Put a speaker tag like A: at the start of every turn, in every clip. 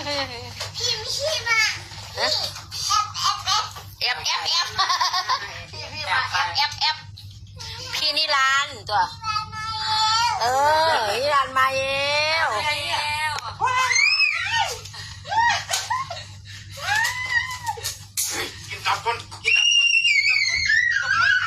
A: พี่ไม่ใช่มาเอฟพี่มาเอฟพี่นิรันดร์ตัวนิรันดร์มาแล้ว
B: กินตับคนกินตับคนกินตับคนกินตับคน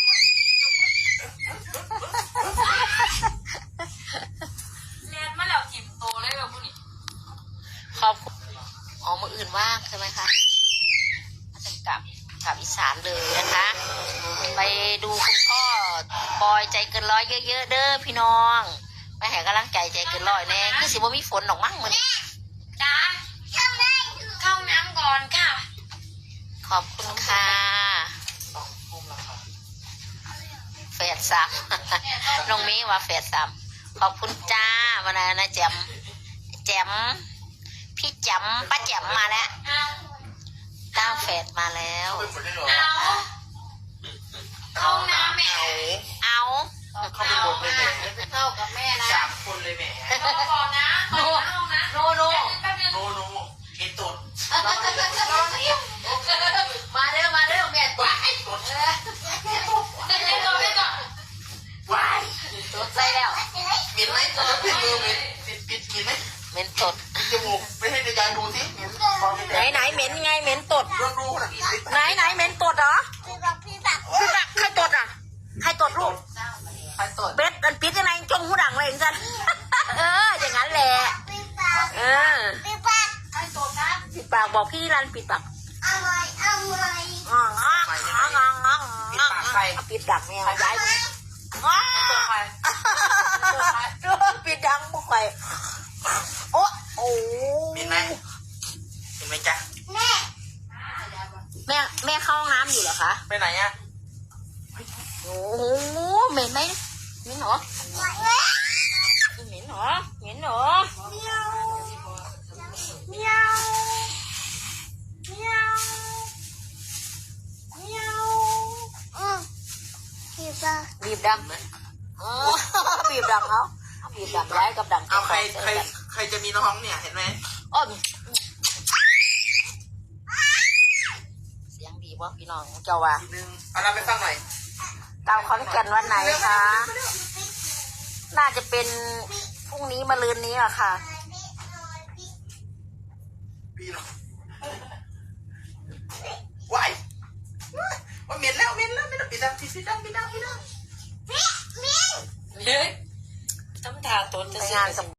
C: เรียนมาแล้วถิ่มโตเลยแบบพวกนี้
A: ขอบคุณมืออื่นว่างใช่ไหมคะจะกลับอีสานเลยนะคะ ไปดูคุณพ่อปอยใจเกินร้อยเยอะๆเด้อพี่น้องไปให้กำลังใจใจเกินร้อยแน่คือสิว่ามีฝนหรอกมั้งมัน
C: จ้าเข้าน้ำก่อนค่ะ
A: ขอบคุณค่ะแฝดสามน้องเมย์ว่าแฝดสามขอบคุณจ้าวันนั้นนะแจมพี่แจมป้าแจมมาแล้วต้าแฝดมาแล้ว
B: เป็นหมดเลยเหรอ
C: เข้าน้ำแม่
A: เอา
B: เข้าไปหมดเลยแม่
A: เข้ากับแม่นะ
B: 3 คนเลยแม่
C: รอก่อนนะโน
A: โน
C: แป๊บนึง
B: โนโนเอ็ดตด
A: มาเด้อแม่ตด
B: ไอ้ตด
C: เดี๋ยวรอไปก่อน
B: วาย
A: ตดใส่แล้ว
B: เหม็นไหมจะปิดมือเหม็นปิดเหม็นไหม
A: เหม็นตด
B: ปิดจมูกไปให้ในยายดูสิเหม็นบอกใน
A: ไหน
B: ยาย
A: เหม็นไงเหม็นตด
B: ลองดูนะ
A: ไหนเหม็นตดเหรอพี่บักใครตดอ่ะใครตดลูก
B: ใครตด
A: เบ็ดมันปิดยังไงจงหูดังเลยจันอย่างนั้นแหละ
C: ไอ้โตนะ
A: ปิดปากบอกพี่รันปิดปากปิดดังเนี่ยย้ายปิดดังพวกใครโอ้
B: เหม็นไหมเห็นไหมจ๊ะ
A: แม่เข้าห้องน้ำอยู่เหรอคะ
B: ไปไหนอ่ะ
A: โอ้โหเหม็นไหมเหม็นเหรอเหม็นเหรอบีบดังบีบดังเขาบีบดังย้ายกับดัง
B: เอาใครจะมีน้องเนี่ยเห็นไหม
A: อ้อเสียงดีวะพี่น้องเจ้าว่า
B: ทีนึงเอาเราไปฟังหน่อย
A: ดาวขอนแก่นวันไหนคะน่าจะเป็นพรุ่งนี้มะรืนนี้อะค่ะ
B: พี่หรอวายว่าเหม็นแล้วปิดดัง
C: เฮ้ยทำท่าตนจะ
A: ไป
C: เสีย
A: งานกับ